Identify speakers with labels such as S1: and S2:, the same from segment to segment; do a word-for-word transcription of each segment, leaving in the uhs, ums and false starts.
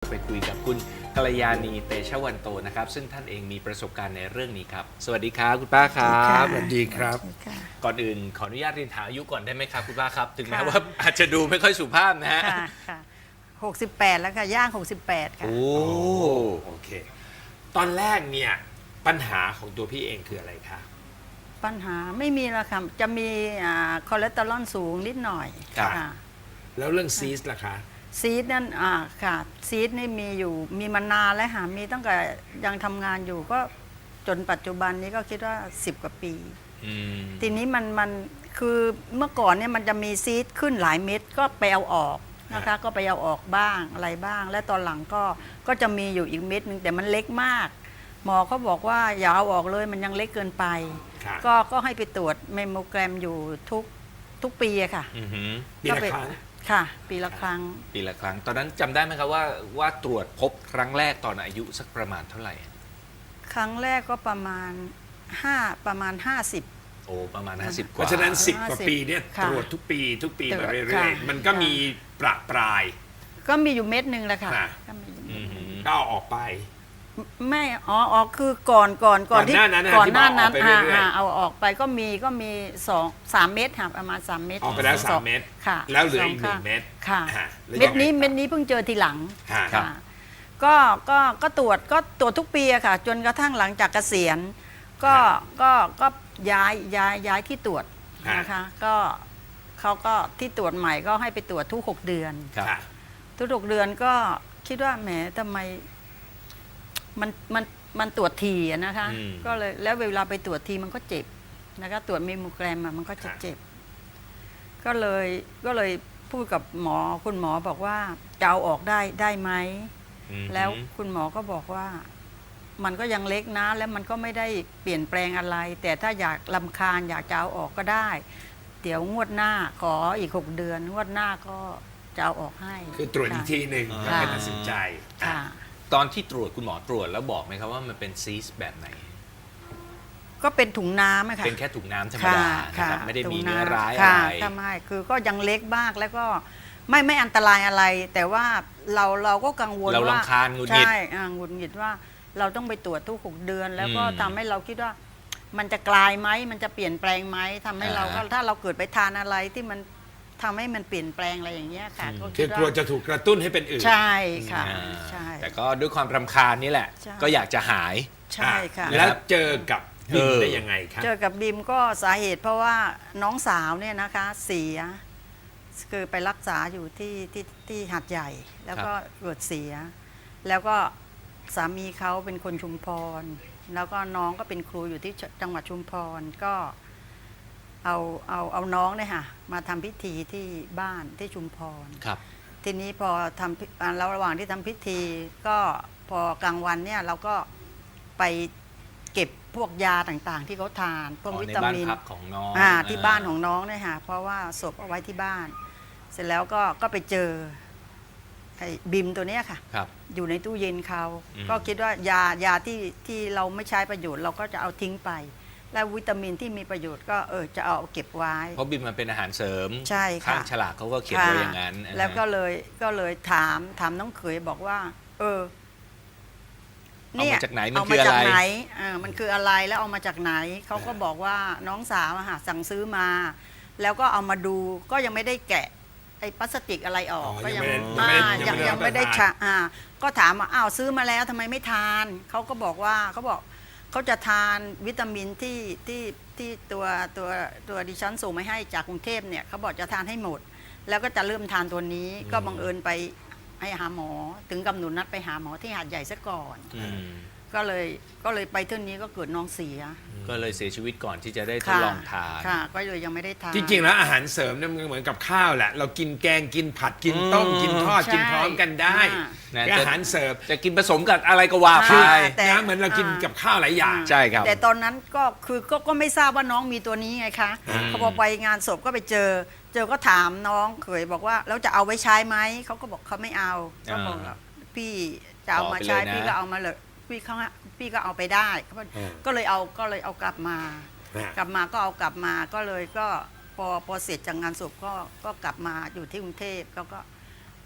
S1: ไปคุยกับคุณกัลยาณีเตชะวันโตนะครับซึ่งท่านเองมีประสบการณ์ในเรื่องนี้ครับสวัสดีครับคุณป้าครับ
S2: สวัสดีครับ
S1: ก่อนอื่นขออนุญาตเรียนถามอายุก่อนได้ไหมครับคุณป้าครับถึงแม้ว่าอาจจะดูไม่ค่อยสุภาพนะฮะ
S3: ค่ะค่ะหกสิบแปดแล้วค่ะย่างหกสิบแปดค่ะ
S1: โอ้
S2: โอเค ตอนแรกเนี่ยปัญหาของตัวพี่เองคืออะไรคะ
S3: ปัญหาไม่มีแล้วค่ะจะมีอ่าคอเลสเตอรอลสูงนิดหน่อย
S2: ครับ
S3: ค่ะ
S2: แล้วเรื่องซีสล่ะคะ
S3: ซีดนั่นอ่าค่ะซีดนี่มีอยู่มีมานานแล้วค่ะมีตั้งแต่ยังทำงานอยู่ก็จนปัจจุบันนี้ก็คิดว่าสิบกว่าปี
S1: อืม
S3: ทีนี้มันมันคือเมื่อก่อนเนี่ยมันจะมีซีดขึ้นหลายเม็ดก็ไปเอาออกนะคะก็ไปเอาออกบ้างอะไรบ้าง และตอนหลังก็ก็จะมีอยู่อีกเม็ดนึงแต่มันเล็กมาก หมอเขาบอกว่าอย่าเอาออกเลยมันยังเล็กเกินไป
S2: ครับ
S3: ก็ก็ให้ไปตรวจเมมโมแกรมอยู่ทุกทุกปีอะค่ะ
S1: อือหือ
S2: ปี
S3: ก็
S2: ละ
S3: ไป
S2: ครั้ง
S3: ค่ะ ปีละครั้ง
S1: ปีละครั้ง ตอนนั้นจำได้ไหมครับว่าว่าตรวจพบครั้งแรกตอนอายุสักประมาณเท่าไหร่
S3: ครั้งแรกก็ประมาณห้าประมาณห้าสิบ
S1: โอ้ประมาณห้าสิบก
S2: เพ
S1: ว่า
S2: ราะฉะนั้นสิบ
S3: ห้าก
S2: ว่า
S3: สิบ
S2: ปีเนี่ย
S3: ค่ะ
S2: ตรวจทุกปีทุกปี
S3: ตรวจ
S2: มาเรื่
S3: ค่ะ
S2: อยๆ มันก็มีประปราย
S3: ก็มีอยู่เม็ดหนึ่งแหละค่ะ
S2: ค่ะ
S3: ก็มีอยู่
S1: อื
S3: เม็ด
S1: อหือ
S2: ก็เอาออกไป
S3: ไม่อ๋ออ๋อคือก่อนก่อนก่อนที่
S2: ก่อนหน้านั้นนะ
S3: ก่อนหน้านั้น
S2: ที่บอกออกไปเรื่อยๆ
S3: อ่าอ่าเอาออกไปก็มีก็มีสองสามเม็ดค่ะประมาณสามเม็ด
S2: ออกไปแล้ว
S3: ส
S2: สา
S3: อ
S2: ม
S3: ง
S2: เม็ด
S3: ค่ะ
S2: แล้วเหลืออีก
S3: ส
S2: หนึ่
S3: ข้าง
S2: เม็ด
S3: ค่ะ
S2: อ่าแล้ว
S3: เม็ดนี้
S2: ยังไงต่อ
S3: เม็ดนี้เพิ่งเจอทีหลัง
S2: ค่ะ
S1: ครับ
S3: ค่ะก็ก็ก็ตรวจก็ตรวจทุกปีอะค่ะ จนกระทั่งหลังจากเกษียณก็ก็ก็ย้ายย้ายย้ายที่ตรวจนะคะก็เขาก็ที่ตรวจใหม่ก็ให้ไปตรวจทุกหกเดือน
S1: ครับ
S2: ค่ะ
S3: ทุกหกเดือนก็คิดว่าแหมทำไมมันมันมันตรวจทีอะนะคะ
S1: อืม
S3: ก็เลยแล้วเวลาไปตรวจทีมันก็เจ็บนะคะตรวจเมมโมแกรมอะมันก็จะเจ็บ ก็เลยก็เลยพูดกับหมอคุณหมอบอกว่าจะเอาออกได้ได้ไหม
S1: อือหือ
S3: แล้วคุณหมอก็บอกว่ามันก็ยังเล็กนะ แล้วมันก็ไม่ได้เปลี่ยนแปลงอะไร แต่ถ้าอยากลำคาญอยากจะเอาออกก็ได้ เดี๋ยวงวดหน้าขออีกหกเดือน งวดหน้าก็จะเอาออกให้
S2: คือตรวจอีกทีหนึ่ง
S1: ค่ะ
S2: แล้วก็ตัดสินใจ
S3: ค่ะ
S1: ตอนที่ตรวจคุณหมอตรวจแล้วบอกไหมครับว่ามันเป็นซีสต์แบบไหน
S3: ก็เป็นถุงน้ำอะค่ะ
S1: เป็นแค่ถุงน้ำธรรม
S3: ค่ะ
S1: ดานะ
S3: ค่ะ
S1: ครับไม่ได้มี
S3: ถุง
S1: เนื้อ
S3: น้ำ
S1: ร้ายอะ
S3: ค่ะ
S1: ไร
S3: ถ้าไม่คือก็ยังเล็กมากแล้วก็ไม่ไม่อันตรายอะไร แต่ว่าเราเราก็กังวล
S1: เรา
S3: ว่าร
S1: ำคาญหงุดหงิด
S3: ใช่อ่าหงุดหงิดว่าเราต้องไปตรวจทุกหกเดือน แล้วก็
S1: อืม
S3: ทำให้เราคิดว่ามันจะกลายไหมมันจะเปลี่ยนแปลงไหมทำให้เราก็
S1: อ่าฮะ
S3: ถ้าเราเกิดไปทานอะไรที่มันทำให้มันเปลี่ยนแปลงอะไรอย่างเงี้ยค่ะ
S1: อืม
S3: ก็
S2: คื
S3: คิ
S2: อ
S3: ด
S2: กลัว
S3: ว่า
S2: จะถูกกระตุ้นให้เป็นอื่น
S3: ใช่ค่ะ
S1: อ่า
S3: ใช่
S1: แต่ก็ด้วยความรำคาญนี่แหละ
S3: ใช่
S1: ก็อยากจะหาย
S3: ใช่ค่ะ
S2: แล้วเจอกับบิม
S1: เออ
S2: ได้ยังไงครับ
S3: เจอกับบิมก็สาเหตุเพราะว่าน้องสาวเนี่ยนะคะเสียคือไปรักษาอยู่ที่ที่ที่หัดใหญ่ แล้วก็เกิดเสีย แล้วก็สามีเขาเป็นคนชุมพร แล้วก็น้องก็เป็นครูอยู่ที่จังหวัดชุมพรก็เอาเอาเอาน้องเนี่ยค่ะมาทำพิธีที่บ้านที่ชุมพร
S1: ครับ
S3: ทีนี้พอทำพิอ่าแล้วระหว่างที่ทำพิธีก็พอกลางวันเนี่ยเราก็ไปเก็บพวกยาต่างๆ ที่เขาทานพวก
S1: อ๋อ
S3: วิ
S1: ใน
S3: ตา
S1: บ้าน
S3: มิน
S1: พักของน้อง
S3: อ่าที่บ้านของน้องเนี่ยค่ะเพราะว่าศพเอาไว้ที่บ้าน เสร็จแล้วก็ก็ไปเจอไอ้บิมตัวเนี้ยค่ะ
S1: ครับ
S3: อยู่ในตู้เย็นเขา
S1: อืม
S3: ก็คิดว่ายายาที่ที่เราไม่ใช้ประโยชน์ เราก็จะเอาทิ้งไป แล้ววิตามินที่มีประโยชน์ก็เออจะเอาเก็บไว้
S1: เพราะบิมมันเป็นอาหารเสริม
S3: ใช่ค่ะ
S1: ข้างฉลากเขาก็เขียนไว้อย่างนั้น
S3: ค่ะแล้วก็เลยก็เลยถามถามน้องเขยบอกว่า เออ
S1: เอามาจากไหนมัน
S3: เอา
S1: คื
S3: มา
S1: ออะ
S3: จาก
S1: ไร
S3: ไหนอ่ามันคืออะไรแล้วเอามาจากไหนเขาก็บอกว่าน้องสาวอะค่ะสั่งซื้อมา แล้วก็เอามาดูก็ยังไม่ได้แกะไอ้พลาสติกอะไรออก
S2: อ๋อ
S3: ก็
S2: ยัง
S3: อ่า
S2: ไม่ได้ยั
S3: ยัง
S2: งไม่ได้
S3: ยังไม่ได้
S2: รับประทาน
S3: ชะอ่า ก็ถามว่าอ้าวซื้อมาแล้วทำไมไม่ทานเขาก็บอกว่าเขาบอกเขาจะทานวิตามินที่ที่ที่ตัวตัวตัวดิฉันส่งมาให้จากกรุงเทพเนี่ยเขาบอกจะทานให้หมด แล้วก็จะเริ่มทานตัวนี้ ก็บังเอิญไปให้หาหมอ ถึงกำหนดนัดไปหาหมอที่หาดใหญ่ซะก่อน
S1: อืม
S3: ก็เลยก็เลยไปเท่านี้ก็เกิดน้องเสีย
S1: ก็เลยเสียชีวิตก่อนที่จะได้ทด
S3: ค่ะ
S1: ลองทาน
S3: ค่ะ ก็เลยยังไม่ได้ทาน
S2: จริงๆแล้วอาหารเสริมเนี่ยมันเหมือนกับข้าวแหละ เรากินแกงกินผัดกินต้ม
S1: อืม
S2: กินทอด
S3: ใช่
S2: กินพร้อมกันได้
S3: อ่า
S1: นะ
S2: คืออาหารเสริม
S1: จะกินผสมกับอะไรก็ว่าไป
S3: ใช่ แต่
S2: นะเหมือนเรากินกับข้าวหลายอย่าง
S1: ใช่ครับ
S3: แต่ตอนนั้นก็คือก็ก็ไม่ทราบว่าน้องมีตัวนี้ไงคะ
S2: อืม
S3: เขาพอไปงานศพก็ไปเจอ เจอก็ถามน้องเขยบอกว่าแล้วจะเอาไว้ใช้ไหมเขาก็บอกเขาไม่เอาก็บอกว่าพี่จะเอามาใช้
S1: ขอไปเลยนะ
S3: พี่ก็เอามาเลยพี่เขาพี่ก็เอาไปได้เขาบอก
S2: อืม
S3: ก็เลยเอาก็เลยเอากลับมา
S2: อ่ะ
S3: กลับมาก็เอากลับมาก็เลยก็พอพอเสร็จจากงานศพก็ก็กลับมาอยู่ที่กรุงเทพเขาก็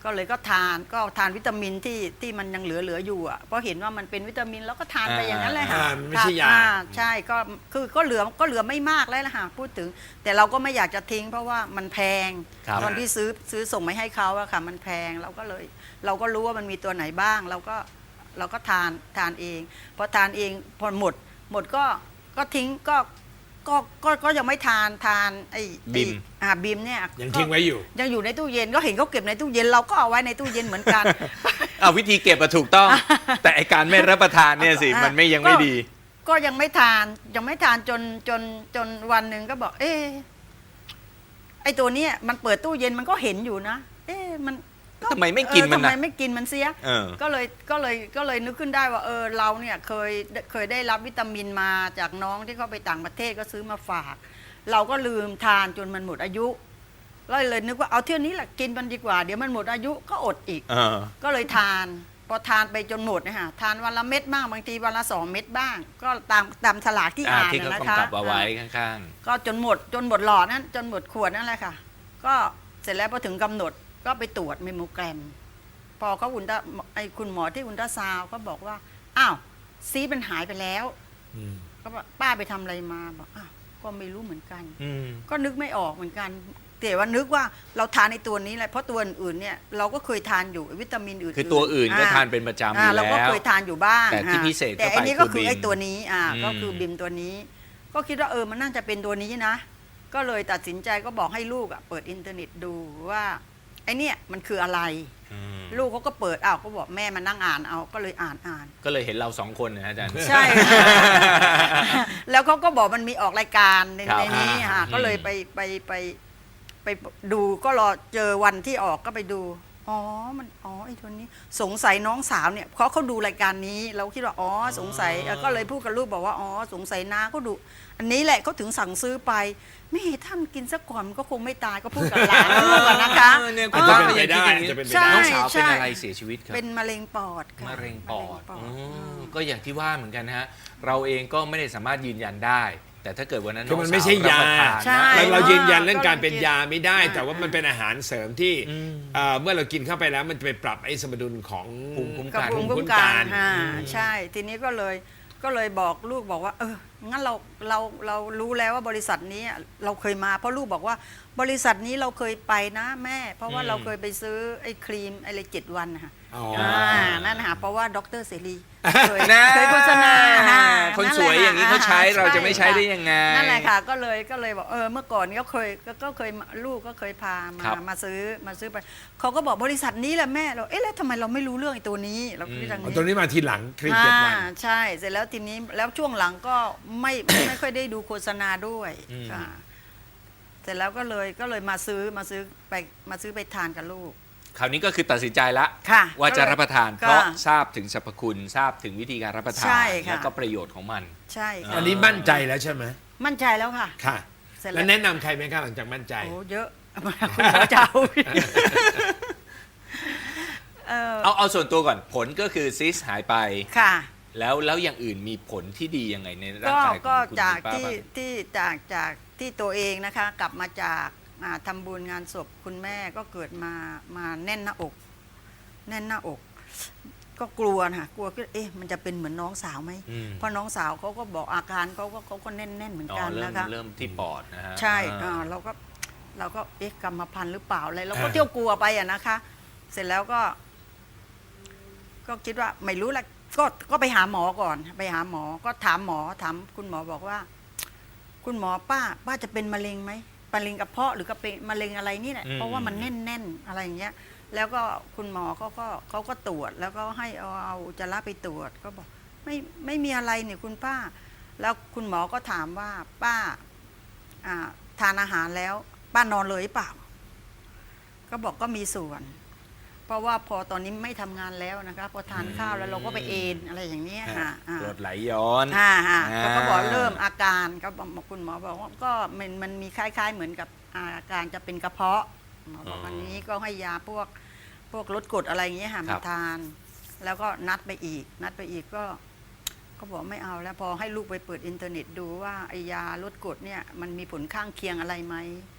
S3: ก็เลยก็ทานก็ทานวิตามินที่ที่มันยังเหลือเหลืออยู่อ่ะเพราะเห็นว่ามันเป็นวิตามินแล้วก็ทานไปอย่างนั้นเลยค่ะ
S2: อ่ามันไม่ใช่ยา
S3: อ่ใช่ก็คือก็เหลือก็เหลือไม่มากแล้วล่ะค่ะพูดถึง แต่เราก็ไม่อยากจะทิ้ง เพราะว่ามันแพง
S1: ครับ
S3: ตอนที่ซื้อซื้อส่งไปให้เขาอะค่ะมันแพงเราก็เลย เราก็รู้ว่ามันมีตัวไหนบ้าง เราก็เราก็ทานทานเองพอทานเองพอหมดหมดก็ก็ทิ้งก็ก็ก็ก็ยังไม่ทานทานไอ้ไอ้
S1: บิม
S3: อ่าบิมเนี่ย
S2: ยังทิ้งไว้อยู่
S3: ยังอยู่ในตู้เย็นก็เห็นเขาเก็บในตู้เย็นเราก็เอาไว้ในตู้เย็นเหมือนกัน
S1: เอาวิธีเก็บอะถูกต้อง แต่ไอการไม่รับประทานเนี่ยสิ
S3: อ่ะ
S1: มันไม่ยังไม่
S3: ก็
S1: ดี
S3: ก็ยังไม่ทานยังไม่ทานจนจนจนวันหนึ่งก็บอก เอ๊ะไอตัวเนี้ยมันเปิดตู้เย็นมันก็เห็นอยู่นะ เอ๊ะมันก็
S1: ทำไมไม่กินมัน
S3: เออ
S1: น่ะ
S3: ทำไมไม่กินมันเสีย
S1: เออ
S3: ก็เลยก็เลยก็เลยนึกขึ้นได้ว่าเออเราเนี่ยเคยเคยได้รับวิตามินมาจากน้องที่เขาไปต่างประเทศก็ซื้อมาฝาก เราก็ลืมทานจนมันหมดอายุก็เลยนึกว่าเอาเที่ยวนี้แหละกินมันดีกว่าเดี๋ยวมันหมดอายุก็อดอีก
S1: เออ
S3: ก็เลยทานพอทานไปจนหมดนะฮะทานวันละเม็ดบ้างบางทีวันละสองเม็ดบ้าง ก็ตามตามฉลากที่
S1: อ่า
S3: อ่าน
S1: ที่เขา
S3: นะ
S1: กำ
S3: คะ
S1: กับเอาไว้
S3: อ่า
S1: ข้าง
S3: ก็จนหมดจนหมดหลอดนั้นจนหมดขวดนั่นแหละค่ะ ก็เสร็จแล้วพอถึงกำหนดก็ไปตรวจเมมโมแกรม พอเขาอุลตราไอคุณหมอที่อุลตราซาวด์ก็บอกว่าอ้าวซีสมันหายไปแล้ว
S2: อืม
S3: ก็บอกป้าไปทำอะไรมาบอกอ้าวก็ไม่รู้เหมือนกัน
S1: ๆอืม
S3: ก็นึกไม่ออกเหมือนกันแต่ว่านึกว่าเราทานในตัวนี้แหละเพราะตัวอื่นๆเนี่ยเราก็เคยทานอยู่วิตามินอื่นๆ
S1: คือตัวอื่นก็
S3: อ่
S1: ทานเป็นประจำอ
S3: อ่า
S1: ยู่
S3: เราก็
S1: แล้ว
S3: เคยทานอยู่บ้าง
S1: แต่ที่
S3: อ่า
S1: พิเศษ
S3: แต่
S1: เข้าไป
S3: อันนี้ก็
S1: คื
S3: คือ อ
S1: บิม
S3: ไอ้ตัวนี้อ่า
S1: อืม
S3: ก็คือบิมตัวนี้ ก็คิดว่าเออมันน่าจะเป็นตัวนี้นะ ก็เลยตัดสินใจก็บอกให้ลูกอ่ะเปิดอินเทอร์เน็ตดูว่าไอ้เนี่ยมันคืออะไร
S1: อืม
S3: ลูกเขาก็เปิดอ้าวก็บอกแม่มานั่งอ่านเอาก็เลยอ่านอ่าน
S1: ก็เลยเห็นเราสองคนนะอาจารย์
S3: ใช่ แล้วเขาก็บอกมันมีออกรายการใน
S1: ครับ
S3: ในนี้ค่ะ
S1: อืม
S3: ก็เลยไปไปไปไปดูก็รอเจอวันที่ออกก็ไปดู อ๋อมันอ๋อไอ้ตัวนี้ สงสัยน้องสาวเนี่ยเขาเขาดูรายการนี้ เราคิดว่าอ๋อสงสัยเออก็เลยพูดกับลูกบอกว่าอ๋อสงสัยน้าเขาดู อันนี้แหละเขาถึงสั่งซื้อไปไม่ท่านกินซะก่อนมันก็คงไม่ตายก็พูดกับหลานลูกอะนะคะ
S1: เออเนี่ย
S2: อา
S1: คุ
S2: จ
S1: ณ
S2: จะ
S1: ป้า
S2: เป็น
S1: ก็
S2: ไป
S1: ยัง
S2: ได้
S1: คิดอย่างนี้
S2: อาจจะเป็นไป
S3: ใช่
S2: ได้
S1: น้องสาว
S3: ใช่
S1: เป็นอะไรเสียชีวิตครับ
S3: เป็นมะเร็งปอดค่ะ
S1: มะเร็งปอด
S3: มะ
S1: อ๋
S3: เร็งปอ
S1: อ
S3: ด
S1: ก็อย่างที่ว่าเหมือนกันนะฮะ เราเองก็ไม่ได้สามารถยืนยันได้ แต่ถ้าเกิดวันนั้น
S2: คือมัน
S1: อง
S2: ไม่ใช่
S1: สวรับ
S2: ยา
S1: ประทน
S3: ใช่
S1: นะ
S2: เราเรายืนยันเรื่อง
S3: ก็
S2: การเป็น
S3: กิน
S2: ยาไม่ได้
S3: อ่า
S2: แต่ว่ามันเป็นอาหารเสริมที่
S1: อืม
S2: เอ่อเมื่อเรากินเข้าไปแล้วมันจะไปปรับไอ้สมดุลของ
S1: ภูมิคุ้ม
S3: กับ
S1: กัน
S3: ภูมิ
S2: ภูมิคุ้
S3: คุ้
S2: ม
S3: ม
S2: กั
S3: กัน นอ่าใช่ ทีนี้ก็เลยก็เลยบอกลูกบอกว่า เอองั้นเราเราเรารู้แล้วว่าบริษัทนี้เราเคยมา เพราะลูกบอกว่าบริษัทนี้เราเคยไปนะแม่ เพราะว่า
S1: อืม
S3: เราเคยไปซื้อไอ้ครีมอะไรเจ็ดวันนะคะ
S2: อ๋อ
S3: อ่า
S2: อ่า
S3: นั่นนะคะเพราะว่าดรเสรีเคย
S1: นะ
S3: เคยโฆษณาอ่า
S1: คนสวยอย่างนี้เขาใช้เราจะไม่ใช้ได้ยังไง
S3: นั่นแหละค่ะก็เลยก็เลยบอกเออเมื่อก่อนก็เคยก็ก็เคยมาลูกก็เคยพามา
S1: ครับ
S3: มาซื้อมาซื้อไปเขาก็บอกบริษัทนี้แหละแม่เราเอ๊ะแล้วทำไมเราไม่รู้เรื่องไอ้ตัวนี้เราคิดอย่าง
S2: เอา
S3: นี้
S2: ตัวนี้มาทีหลังครีมเจ็ดวัน
S3: อ่าใช่เสร็จแล้วทีนี้แล้วช่วงหลังก็ไม่ ไม่ไม่ค่อยได้ดูโฆษณาด้วย
S1: อืม
S3: ค่ะเสร็จแล้วก็เลยก็เลยมาซื้อมาซื้อไปมาซื้อไปทานกับลูก
S1: คราวนี้ก็คือตัดสินใจละ
S3: ค่ะ
S1: ว่าจะ
S3: ก็เลย
S1: รับประทาน
S3: ก็
S1: เพราะทราบถึงสรรพคุณทราบถึงวิธีการรับประทาน
S3: ใช่ค่ะ
S1: แล้วก็ประโยชน์ของมัน
S3: ใช่ค่ะ
S2: อันนี้มั่นใจแล้วใช่ไหม
S3: มั่นใจแล้วค่ะ
S2: ค่ะ
S3: เสร็จ
S2: แล้
S3: แล้ว ว
S2: แนะนำใครไหมคะหลังจากมั่นใจ
S3: โอ้เยอะ คุณหมอเจ้าเออ
S1: เอาเอาส่วนตัวก่อนผลก็คือซิสหายไป
S3: ค่ะ
S1: แล้วแล้วอย่างอื่นมีผลที่ดียังไงในร่าง
S3: ก็
S1: กายของ
S3: ก็
S1: คุณ
S3: จาก
S1: คุณป้า
S3: ที่
S1: บ้าง
S3: ที่จากจากที่ตัวเองนะคะ กลับมาจากอ่าทำบุญงานศพคุณแม่ก็เกิดมามาแน่นหน้าอก แน่นหน้าอก ก็กลัวนะคะกลัวก็เอ๊ะมันจะเป็นเหมือนน้องสาวไหม
S1: อืม
S3: เพราะน้องสาวเขาก็บอกอาการเขาก็เขาก็แน่นแน่นๆเหมือน
S1: อ๋อ
S3: กัน
S1: เริ่ม
S3: นะคะ
S1: เริ่มที่ปอดนะฮะ
S3: ใช่
S1: อ่า
S3: อ่าเราก็เราก็เอ๊ะกรรมพันธุ์หรือเปล่าอะไรเราก็
S2: อ่า
S3: เที่ยวกลัวไปอะนะคะ เสร็จแล้วก็ ก็คิดว่าไม่รู้แหละก็ก็ไปหาหมอก่อน ไปหาหมอก็ถามหมอถามคุณหมอบอกว่า คุณหมอป้า ป้าจะเป็นมะเร็งไหมมะเร็งกระเพาะหรือก็เป็นมะเร็งอะไรนี่แหละเพราะว่ามันแน่นแน่นๆอะไรอย่างเงี้ย แล้วก็คุณหมอเขาก็เขาก็ตรวจ แล้วก็ให้เอาเอาอุจจาระไปตรวจ ก็บอก ไม่ไม่มีอะไรเนี่ยคุณป้า แล้วคุณหมอก็ถามว่าป้า อ่า ทานอาหารแล้ว ป้านอนเลยหรือเปล่า ก็บอกก็มีส่วน เพราะว่าพอตอนนี้ไม่ทำงานแล้วนะคะพอทานข้าวแล้วเราก็ไปเอนอะไรอย่างเนี้ยค่ะอ่า
S1: กรดไหลย้อน
S3: อ่าฮะ
S1: อ่า
S3: เขาก็บอกเริ่มอาการก็บอกคุณหมอบอกว่าก็มันมันมีคล้าย ๆ เหมือนกับอาการจะเป็นกระเพาะหมอบอกวันนี้ก็ให้ยาพวกพวกลดกรดอะไรอย่างเงี้ยค่ะมาทาน แล้วก็นัดไปอีก นัดไปอีกก็ก็บอกไม่เอาแล้วพอให้ลูกไปเปิดอินเทอร์เน็ตดูว่าไอยาลดกรดเนี่ยมันมีผลข้างเคียงอะไรไหม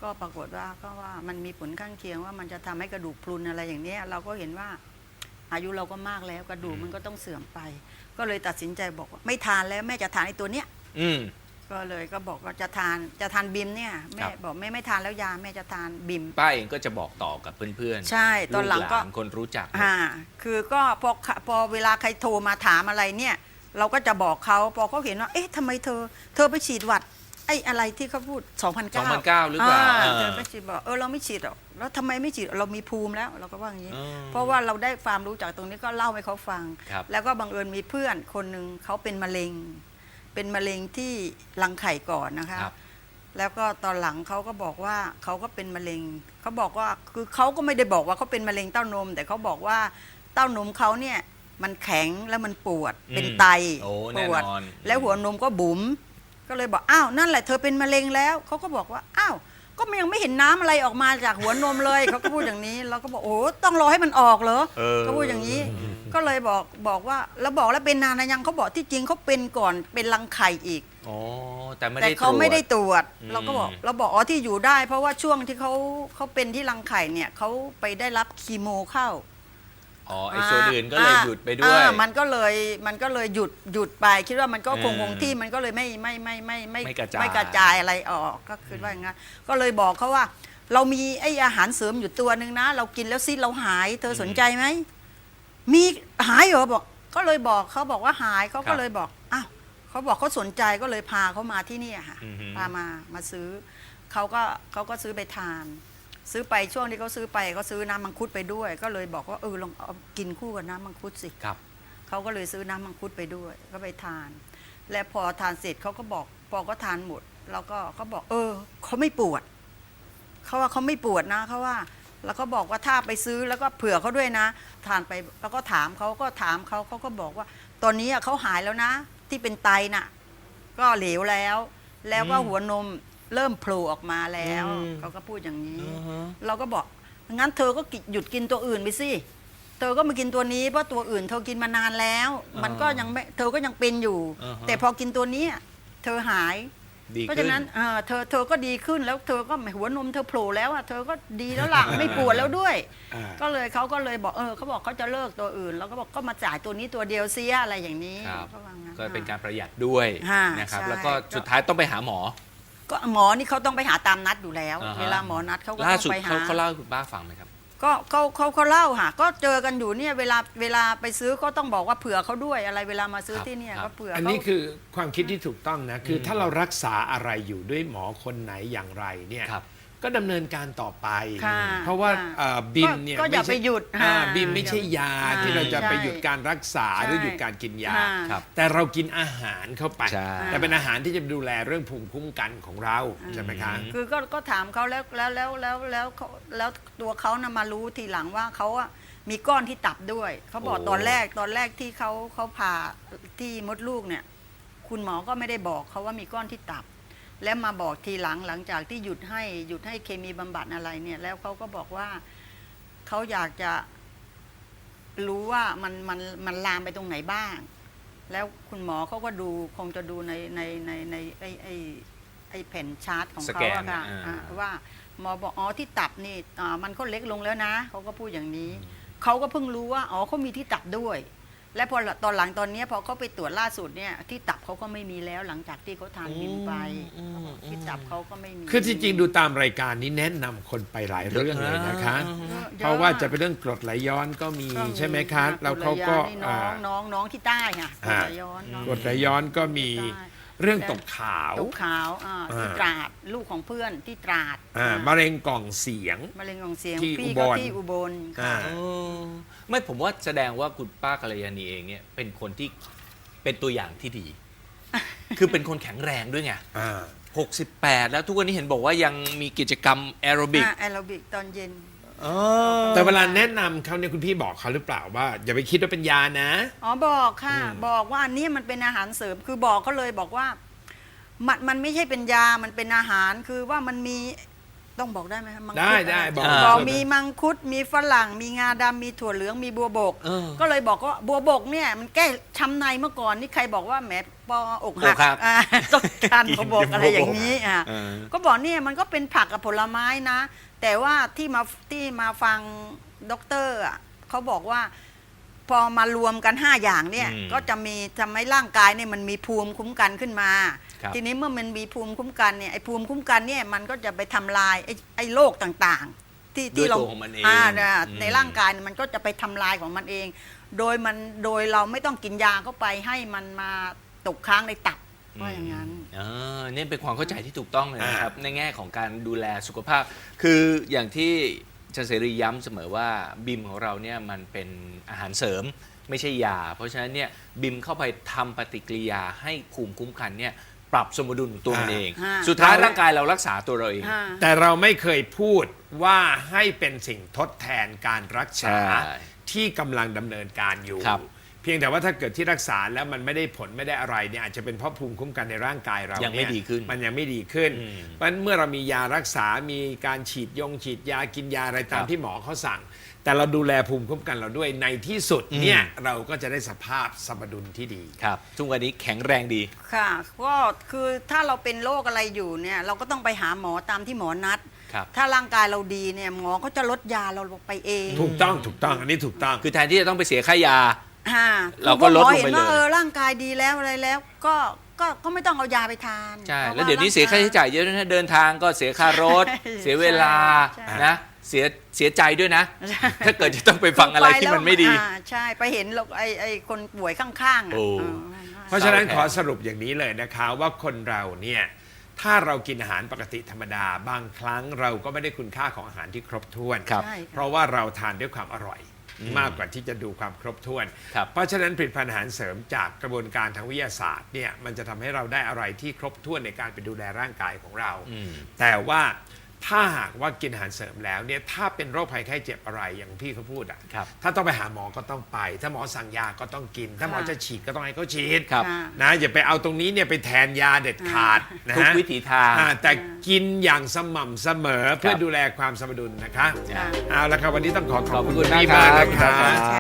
S3: ก็ปรากฏว่าก็ว่ามันมีผลข้างเคียงว่ามันจะทำให้กระดูกพรุนอะไรอย่างเนี้ยเราก็เห็นว่าอายุเราก็มากแล้วกระดูกมันก็ต้องเสื่อมไป ก็เลยตัดสินใจบอกว่าไม่ทานแล้วแม่จะทานไอ้ตัวเนี้ย
S1: อืม
S3: ก็เลยก็บอกว่าจะทานจะทานบิมเนี่ยแม่
S1: ครับ
S3: บอกแม่ไม่ทานแล้วยาแม่จะทานบิม
S1: ป้าเองก็จะบอกต่อกับเพื่อนๆ
S3: ใช่ตอนหลังก็
S1: ลูานคนรู้จัก
S3: อ่าคือก็พอพอเวลาใครโทรมาถามอะไรเนี่ย เราก็จะบอกเขาพอเขาเห็นว่าเอ๊ะทำไมเธอ เธอไปฉีดหวัดไอ้อะไรที่เขาพูดสองพันเก้า
S1: สองพันเก้าหรือเปล่าเออ
S3: เธอไปฉีดบอกเออเราไม่ฉีดหรอกแล้วทำไมไม่ฉีดเรามีภูมิแล้วเราก็ว่าอย่างนี้
S1: อืม
S3: เพราะว่าเราได้ความรู้จากตรงนี้ก็เล่าให้เขาฟัง
S1: ครับ
S3: แล้วก็บังเอิญมีเพื่อนคนหนึ่งเขาเป็นมะเร็ง เป็นมะเร็งที่รังไข่ก่อนนะคะ
S1: ครับ
S3: แล้วก็ตอนหลังเขาก็บอกว่าเขาก็เป็นมะเร็งเขาบอกว่าคือเขาก็ไม่ได้บอกว่าเขาเป็นมะเร็งเต้านม แต่เขาบอกว่าเต้านมเขาเนี่ยมันแข็งแล้วมันปวด
S1: อืม
S3: เป็นไต
S1: โอ้
S3: ป
S1: แน่
S3: วด
S1: นอน
S3: แล้วหัวนมก็บุ๋มก็เลยบอกอ้าวนั่นแหละเธอเป็นมะเร็งแล้วเขาก็บอกว่าอ้าวก็มันยังไม่เห็นน้ำอะไรออกมาจากหัวนมเลย เขาก็พูดอย่างนี้เราก็บอกโอ้ต้องรอให้มันออกเหรอ
S1: เออ
S3: ก็พูดอย่างนี้ ก็เลยบอกบอกว่าแล้วบอกแล้วเป็นนานนะยังเขาบอกที่จริงเขาเป็นก่อนเป็นรังไข่อีก
S1: อ๋อแต่ไม่
S3: แต่
S1: ได้
S3: เขาไม่ได้
S1: ตรวจ
S3: ตรวจ
S1: อืม
S3: เราก็บอกเราบอกอ๋อที่อยู่ได้ เพราะว่าช่วงที่เขาเขาเป็นที่รังไข่เนี่ยเขาไปได้รับคีโมเข้า
S1: อ๋อไอ้ส่วนอื่นก็เลยหยุดไปด้วย
S3: อ่ามันก็เลยมันก็เลยหยุดหยุดไป คิดว่ามันก็คง
S1: เออ
S3: คงที่มันก็เลยไม่ไม่ไม่ไม่
S1: ไม่กระจาย
S3: ไม่กระจายอะไรออกก็คือว่าอย่างนั้นก็เลยบอกเขาว่า เรามีไอ้อาหารเสริมอยู่ตัวหนึ่งนะ เรากินแล้วซิเราหาย เธอสนใจไหมมีหายเหรอบอก ก็เลยบอกเขาบอกว่าหายเขาก็เลยบอกอ้าวเขาบอกเขาสนใจก็เลยพาเขามาที่นี่ค่ะ
S1: อือฮึ
S3: พามามาซื้อเขาก็เขาก็ซื้อไปทาน ซื้อไปช่วงที่เขาซื้อไปเขาซื้อน้ำมังคุดไปด้วย ก็เลยบอกว่าเออลองเอากินคู่กับน้ำมังคุดสิ
S1: ครับ
S3: เขาก็เลยซื้อน้ำมังคุดไปด้วย ก็ไปทาน และพอทานเสร็จเขาก็บอกพอก็ทานหมดแล้วก็เขาบอก เออเขาไม่ปวดเขาว่าเขาไม่ปวดนะเขาว่า แล้วก็บอกว่าถ้าไปซื้อแล้วก็เผื่อเขาด้วยนะทานไปแล้วก็ถามเขาก็ถามเขาเขาก็บอกว่า ตอนนี้อะเขาหายแล้วนะ ที่เป็นไตน่ะ ก็เหลวแล้ว แล้วก็
S1: อืม
S3: หัวนมเริ่มโผล่ออกมาแล้ว
S1: อืม
S3: เขาก็พูดอย่างนี้
S1: อือฮะ
S3: เราก็บอกงั้นเธอก็กิหยุดกินตัวอื่นไปสิ เธอก็มากินตัวนี้เพราะตัวอื่นเธอกินมานานแล้ว มันก็ยังไม่เธอก็ยังเป็นอยู่
S1: อ่าฮะ
S3: แต่พอกินตัวนี้เธอหาย
S1: ดี
S3: เพราะ
S1: ขึ้
S3: ฉะ
S1: น
S3: นั้นเอ่อเธอเธอก็ดีขึ้นแล้วเธอก็หัวนมเธอโผล่แล้วอ่ะเธอก็ดีแล้วล่ะ ไม่ปวดแล้วด้วย
S2: อ่า
S3: ก็เลยเขาก็เลยบอกเออเขาบอกเขาจะเลิกตัวอื่น แล้วก็บอกก็มาจ่ายตัวนี้ตัวเดียวเสียอะไรอย่างนี้
S1: ครับ
S3: เขาว่างั้น
S1: ก็เป็นการประหยัดด้วย
S3: ฮะ
S1: นะครับ
S3: ใช่
S1: แล้วก็สุดท้ายต้องไปหาหมอ
S3: ก็หมอนี่เขาต้องไปหาตามนัดอยู่แล้ว
S1: อ่าฮะ
S3: เวลาหมอนัดเขาก็
S1: ล่า
S3: ต้อ
S1: สุด
S3: งไปหา
S1: เขาเขาเล่าให้คุณป้าฟังไหมครับ
S3: ก็เขาเขาเขาเล่าค่ะก็เจอกันอยู่เนี่ยเวลาเวลาไปซื้อก็ต้องบอกว่าเผื่อเขาด้วยอะไรเวลามาซื้อ
S1: ครับ
S3: ที่เนี่ย
S1: ครับ
S3: ก็เผื่อ
S2: อัน
S3: เขา
S2: นี้คือความคิดที่ถูกต้องนะ คืออ
S1: ม
S2: ถ้าเรารักษาอะไรอยู่ด้วยหมอคนไหนอย่างไรเนี่ย
S1: ครับ
S2: ก็ดำเนินการต่อไป
S3: ค่ะ
S2: เพราะว่า
S3: ค่ะ
S2: เอ่อบิมเนี่ย
S3: ก็อย่า
S2: ม่ใช่
S3: ไปหยุด
S2: อ่า
S3: ค่ะ
S2: บิมไม่ใช่ยา
S3: อ่า
S2: ที่เราจะ
S3: ใช่
S2: ไปหยุดการรักษา
S3: ใช่
S2: หรือหยุดการกินยา
S3: ค่ะ
S1: ครับ
S2: แต่เรากินอาหารเข้าไป
S1: ใช่
S2: แต่เป็นอาหารที่จะดูแลเรื่องภูมิคุ้มกันของเราใช่ไหมคะ
S1: อืม
S3: คือก็ก็ถามเขาแล้วแล้วแล้วแล้วแล้วเขาแล้วตัวเขานะมารู้ทีหลังว่าเขาอะมีก้อนที่ตับด้วย เขาบอก
S1: โอ้
S3: ตอนแรกตอนแรกที่เขาเขาผ่าที่มดลูกเนี่ย คุณหมอก็ไม่ได้บอกเขาว่ามีก้อนที่ตับ แล้วมาบอกทีหลังหลังจากที่หยุดให้หยุดให้เคมีบำบัดอะไรเนี่ย แล้วเขาก็บอกว่าเขาอยากจะรู้ว่ามันมันมันลามไปตรงไหนบ้าง แล้วคุณหมอเขาก็ดูคงจะดูในในในในไอไอไอแผ่นชาร์ตของ
S1: ส
S3: เขา
S1: แกน
S3: อะค่ะ
S1: อ่า
S3: อ่าว่าหมอบอกอ๋อที่ตับนี่อ่ามันก็เล็กลงแล้วนะเขาก็พูดอย่างนี้เขาก็เพิ่งรู้ว่าอ๋อเขามีที่ตับด้วย และพอตอนหลังตอนเนี้ยพอเขาไปตรวจล่าสุดเนี่ยที่ตับเขาก็ไม่มีแล้วหลังจากที่เขาทานบิมไป
S1: อืมอืม
S3: ที่ตับเขาก็ไม่มี
S2: คือที่จริงดูตามรายการนี้แนะนำคนไปหลายเรื่องเลยนะคะ
S3: เยอ
S2: เพราะว่าจะเป็นเรื่องกรดไหลย้อนก็มี
S3: ก็
S2: ใช่ไหมคะแล้วเขาก็
S3: ภรรยนี่น้องน้องน้องที่ใต้ค่ะ
S2: อ่า
S3: ภรรย้อนน้อง
S2: กรดไหลย้อนก็มี
S3: ที่ใต้
S2: เรื่องตกขาว
S3: ตกขาวอ่าที่
S2: อ่า
S3: ตราดลูกของเพื่อนที่ตราด
S2: อ่า
S3: อ่าม
S2: ะเร็งกล่องเสียง
S3: มะเร็งของเสียง
S2: ที่
S3: พี่
S2: อุบ
S3: ก็
S2: ล
S3: ที่อุบล
S2: อ่า
S3: ค่ะ
S1: เออไม่ผมว่าแสดงว่าคุณป้ากัลยาณีเองเนี่ยเป็นคนที่เป็นตัวอย่างที่ดี คือเป็นคนแข็งแรงด้วยไง
S2: อ่า
S1: หกสิบแปดแล้วทุกวันนี้เห็นบอกว่ายังมีกิจกรรมแอโรบิก
S3: อ่าแอโรบิกตอนเย็น
S2: แต่เวลาแนะนำเขาเนี่ยคุณพี่บอกเขาหรือเปล่าว่า อย่าไปคิดว่าเป็นยานะ
S3: อ๋อบอกค่ะ
S2: อืม
S3: บอกว่าอันนี้มันเป็นอาหารเสริมคือบอกเขาเลยบอกว่ามันมันไม่ใช่เป็นยามันเป็นอาหารคือว่ามันมีต้องบอกได้ไหมคะมังคุ
S2: ได้
S3: ด
S2: ได้
S3: ะ
S2: บอก
S1: อ่า
S3: บอก
S2: เลย
S3: มีมังคุดมีฝรั่งมีงาดำมีถั่วเหลืองมีบัวบก
S1: เออ
S3: ก็เลยบอกว่าบัวบกเนี่ยมันแก้ช้ำในเมื่อก่อนนี่ใครบอกว่าแหมปออกหัก
S1: อกหัก
S3: อ่าต้องทาน
S1: กิน
S3: บัวบกอะไรอย่างนี้อ่ะ
S1: เออ
S3: ก็บอกเนี่ยมันก็เป็นผักกับผลไม้นะ แต่ว่าที่มาที่มาฟังด็อกเตอร์อ่ะเขาบอกว่า พอมารวมกันห้าอย่างเนี่ย
S1: อืม
S3: ก็จะมีทำให้ร่างกายเนี่ยมันมีภูมิคุ้มกันขึ้นมา
S1: ครับ
S3: ทีนี้เมื่อมันมีภูมิคุ้มกันเนี่ยไอ้ภูมิคุ้มกันเนี่ยมันก็จะไปทำลายไอ้ไอ้โรคต่างๆ ที่
S1: ด้วย
S3: ที่เรา
S1: ตัวของมันเอง
S3: อ่าเนี่ย
S1: อืม
S3: ในร่างกายเนี่ยมันก็จะไปทำลายของมันเอง โดยมันโดยเราไม่ต้องกินยาเข้าไปให้มันมาตกค้างในตับว่าอย่างนั้น
S1: เออนี่เป็นความเข้าใจที่ถูกต้องเลยนะครับ
S2: อ่า
S1: ในแง่ของการดูแลสุขภาพ คืออย่างที่อาจารย์เสรีย้ำเสมอว่าบิมของเราเนี่ยมันเป็นอาหารเสริมไม่ใช่ยา เพราะฉะนั้นเนี่ยบิมเข้าไปทำปฏิกิริยาให้ภูมิคุ้มกันเนี่ยปรับสมดุลของตัวมันเอง
S3: อ่า
S1: สุดท้ายร่างกายเรารักษาตัวเราเอง
S3: อ่า
S2: แต่เราไม่เคยพูดว่าให้เป็นสิ่งทดแทนการรักษา
S1: ใช่
S2: ที่กำลังดำเนินการอยู่
S1: ครับ
S2: เพียงแต่ว่าถ้าเกิดที่รักษาแล้วมันไม่ได้ผลไม่ได้อะไรเนี่ยอาจจะเป็นเพราะภูมิคุ้มกันในร่างกายเรา
S1: ยังไม่
S2: เนี่
S1: ดีขึ้น
S2: มันยังไม่ดีขึ้น
S1: อืม
S2: เพราะฉะนั้นเมื่อเรามียารักษา มีการฉีดยงฉีดยากินยาอะไรตาม
S1: ครับ
S2: ที่หมอเขาสั่ง แต่เราดูแลภูมิคุ้มกันเราด้วยในที่สุดเนี่ยเราก็จะได้สภาพสมดุลที่ดี
S1: ครับทุกวันนี้แข็งแรงดี
S3: ค่ะก็คือถ้าเราเป็นโรคอะไรอยู่เนี่ยเราก็ต้องไปหาหมอตามที่หมอนัด
S1: ครับ
S3: ถ้าร่างกายเราดีเนี่ยหมอก็จะลดยาเราลงไปเอง
S2: ถูกต้องถูกต้องอันนี้ถูกต้อง
S1: คือแทนที่จะต้องไปเสียค่ายา
S3: อ่า
S1: เราก็ลดลงไป
S3: คือพอหมอเห็นว่า
S1: เลย
S3: เออร่างกายดีแล้วอะไรแล้ว ก็ก็ก็ไม่ต้องเอายาไปทาน
S1: ใช่
S3: พราะ
S1: แล้วเดี๋ยวนี้เสียค่าใช้จ่ายเยอะด้วยนะเดินทางก็เสียค่ารถ
S3: ใช่
S1: เสียเวลา
S3: ใช่
S1: นะเสียเสียใจด้วยนะ
S3: ใช่
S1: ถ้าเกิดจะต้องไปฟังอะไรที่มันไม่ดี
S3: อ่าใช่ไปเห็นเราไอ้ไอ้คนป่วยข้างๆอ่ะ
S1: โอ้
S3: เออ
S2: เพราะฉะนั้น
S1: เศร้าแทน
S2: ขอสรุปอย่างนี้เลยนะคะว่าคนเราเนี่ยถ้าเรากินอาหารปกติธรรมดา บางครั้งเราก็ไม่ได้คุณค่าของอาหารที่ครบถ้วน
S1: ครับ
S3: ใช่
S2: เพราะว่าเราทานด้วยความอร่อย มากกว่าที่จะดูความครบถ้วน
S1: ครับ
S2: เพราะฉะนั้นผลิตภัณฑ์อาหารเสริมจากกระบวนการทางวิทยาศาสตร์เนี่ยมันจะทำให้เราได้อะไรที่ครบถ้วนในการไปดูแลร่างกายของเรา
S1: อืม
S2: แต่ว่าถ้าหากว่ากินอาหารเสริมแล้วเนี่ยถ้าเป็นโรคภัยไข้เจ็บอะไรอย่างพี่เขาพูดอ่ะ
S1: ครับ
S2: ถ้าต้องไปหาหมอก็ต้องไป ถ้าหมอสั่งยาก็ต้องกิน ถ้าหมอ
S3: ค่ะ
S2: จะฉีดก็ต้องให้เขาฉีด
S1: ครับ
S3: ค่ะ
S2: นะอย่าไปเอาตรงนี้เนี่ยไปแทนยาเด็ดขาดนะ
S1: ทุก
S2: ฮะ
S1: วิถีทาง
S2: อ่าแต่กินอย่างสม่ำเสมอเพื่อ
S1: ครับ
S2: ดูแลความสมดุลนะคะ
S3: ค่ะ
S2: เอาละครับวันนี้ต้องขอขอบ
S1: ขอบ
S2: คุณ
S1: คุณ
S2: พี่
S1: มาก
S2: มาก
S1: ครับ
S2: นะคะ